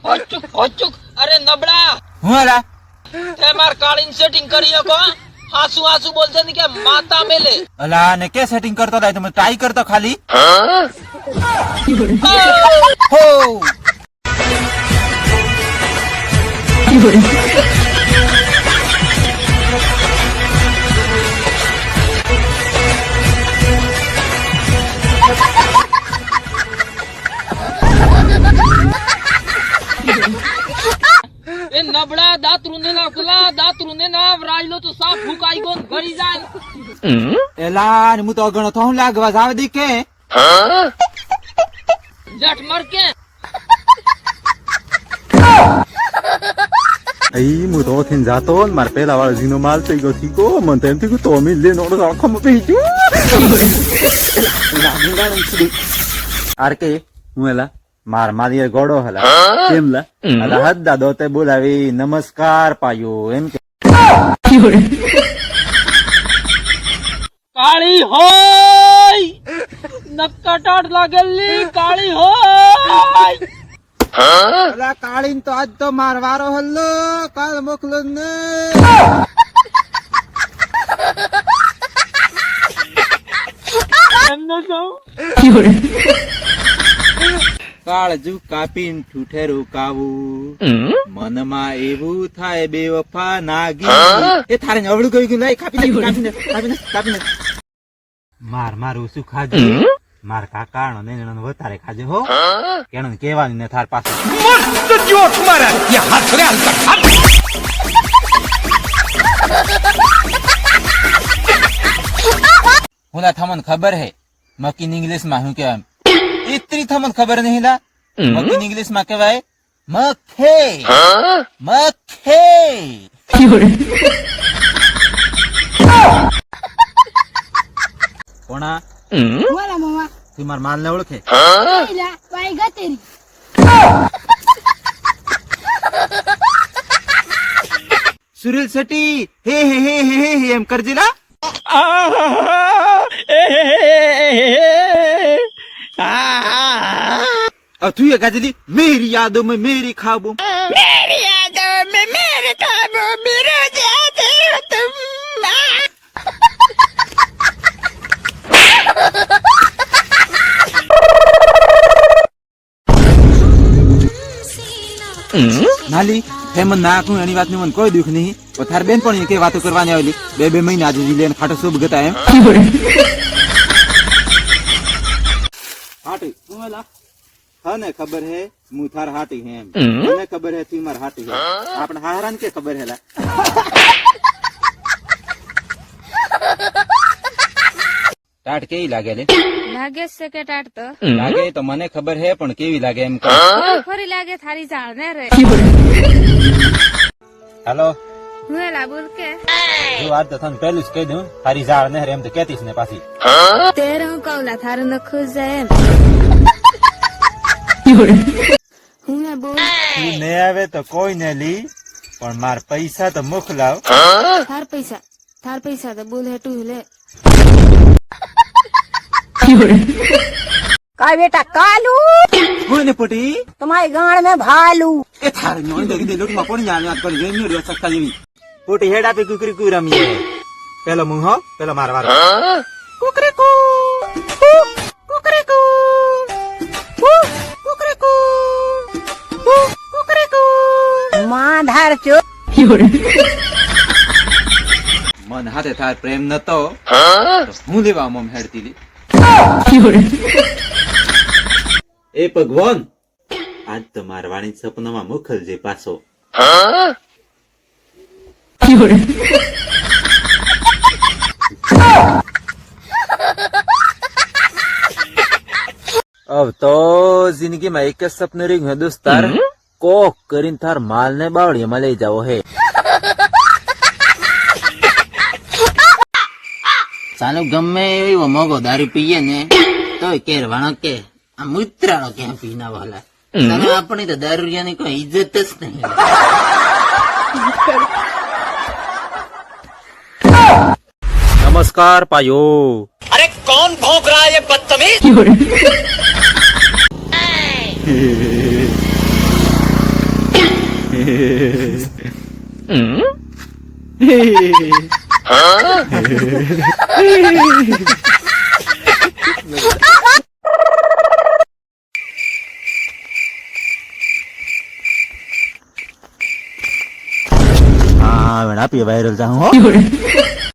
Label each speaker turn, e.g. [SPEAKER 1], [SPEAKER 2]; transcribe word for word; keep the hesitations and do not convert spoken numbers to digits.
[SPEAKER 1] હોચુક હોચુક અરે નબળા
[SPEAKER 2] હું આલા
[SPEAKER 1] તે માર કાળીન સેટિંગ કરી શકો હાસુ હાસુ બોલતે ને કે માતા મેલે
[SPEAKER 2] અલા ને કે સેટિંગ કરતો લાય તમે ટ્રાય કરતો ખાલી હો
[SPEAKER 1] એ નબળા દાંત રૂંધે ના કુલા દાંત રૂંધે ના વરાયલો તો સાફ ફૂકાઈ ગયો ઘરી જાય
[SPEAKER 2] એલા ને હું તો અગણો થઉં લાગવા જાવ દી કે
[SPEAKER 1] જટ મર કે
[SPEAKER 3] Ay, mo to tin zaton, mar pela wala zino mal te go tiko, man tem tiko to mi le no no kham pe ju. આર કે હું એલા માર મારી ગોડો હલા કેમ લા અલા હદ દાદો તે બોલાવી નમસ્કાર પાયો એમ કે
[SPEAKER 1] કાળી હોય નક્કાટાટ લાગેલી કાળી હોય
[SPEAKER 2] અલા કાળીન તો આજ તો માર વારો હલ્લો કાલ મોકલો ને
[SPEAKER 1] એમને કહું
[SPEAKER 2] કાળજુ કાપીન ઠૂઠેરું કાવું મનમાં એવું થાય બેવફા નાગી એ થારે ને અવળું ગયું લઈ કાપીને કાપીને કાપીને કાપીને માર માર ઓછું ખાજો માર કાકા નો ને વધારે ખાજો હો કેણો કેવાની ને થાર પાસે મસ્ત જોક મારા યા હાથ રે હાલ હુલા થમન ખબર હે મકીન ઇંગ્લિશ માં હું કેમ इतनी थमन खबर नहीं ला मक्खी इंग्लिश में कहवाए मक्खे मक्खे कोणा
[SPEAKER 4] बोला मामा
[SPEAKER 2] तू मार माल ने ओळखे
[SPEAKER 4] पहिला पाय गतेरी
[SPEAKER 2] सुनील शेट्टी हे हे हे हे हे हे एम करजीला अब तू ये गजली मेरी यादों में मेरी ख्वाबों
[SPEAKER 4] मेरी यादों में मेरे ख्वाबों में रोज आते हो तुम
[SPEAKER 2] नाली हेमन नाकू एनी बात नहीं मन कोई दुख नहीं और थार बेन पण के बातो करवाने आवेली बे बे महीना आज जिलेन खाटो सब गता एम हाटी मोला हने खबर है मु थार हाटी है मने खबर है तू मार हाटी है आपन हारान के खबर है ला टाट केई लागे ले
[SPEAKER 5] लागे से के टाट तो
[SPEAKER 2] लागे तो मने खबर है पण केवी लागे एम
[SPEAKER 5] फरी लागे थारी जाळ ने रे
[SPEAKER 2] हेलो
[SPEAKER 5] हुएला बोल के
[SPEAKER 2] जो आज तो थन पहले कह दूं थारी जाळ ने एम तो कहतीस ने पासी
[SPEAKER 5] तेरे हूं कौला थारे न खुश जाए हुए बोल
[SPEAKER 2] तू ने आवे तो कोई ने ली पण मार पैसा तो मुख लाव
[SPEAKER 5] थार पैसा थार पैसा तो बोल है तू ले
[SPEAKER 4] का बेटा कालू
[SPEAKER 2] होने पटी
[SPEAKER 4] तुम्हारे गाड़ में भालू
[SPEAKER 2] ए थार नो दगी दे लोट मा कोन जाने आज कर जे न्यू रे सकता जीवी पोटी हेडा पे कुकरी कुरम ये पेलो मुंह पेलो मार मार कुकरी कु कुकरी कु कुकरी कु कुकरी कु
[SPEAKER 4] मां धार चो
[SPEAKER 2] मन हाथे थार प्रेम न तो હું લેવા મમ હેડતી લી એ ભગવાન આજ તો મારવાણી સપનામાં મોકલજે પાછો अब तो जिंदगी में एक सपने रिंग है दोस्तार कोक करीन थार माल ने बावड़ी में ले जाओ है ચાલો ગમે એવો મોગો દારૂ પીએ ને તો કેરવાણો કે આ મૂત્રાળો ક્યાં પીના વાલા ચાલો આપણે તો દારૂરિયાની કોઈ ઇજ્જત જ નહીં
[SPEAKER 3] नमस्कार पायो
[SPEAKER 1] अरे कौन भौंक रहा है ये बदतमीज
[SPEAKER 3] हाँ बेटा पे वायरल जाऊँ हो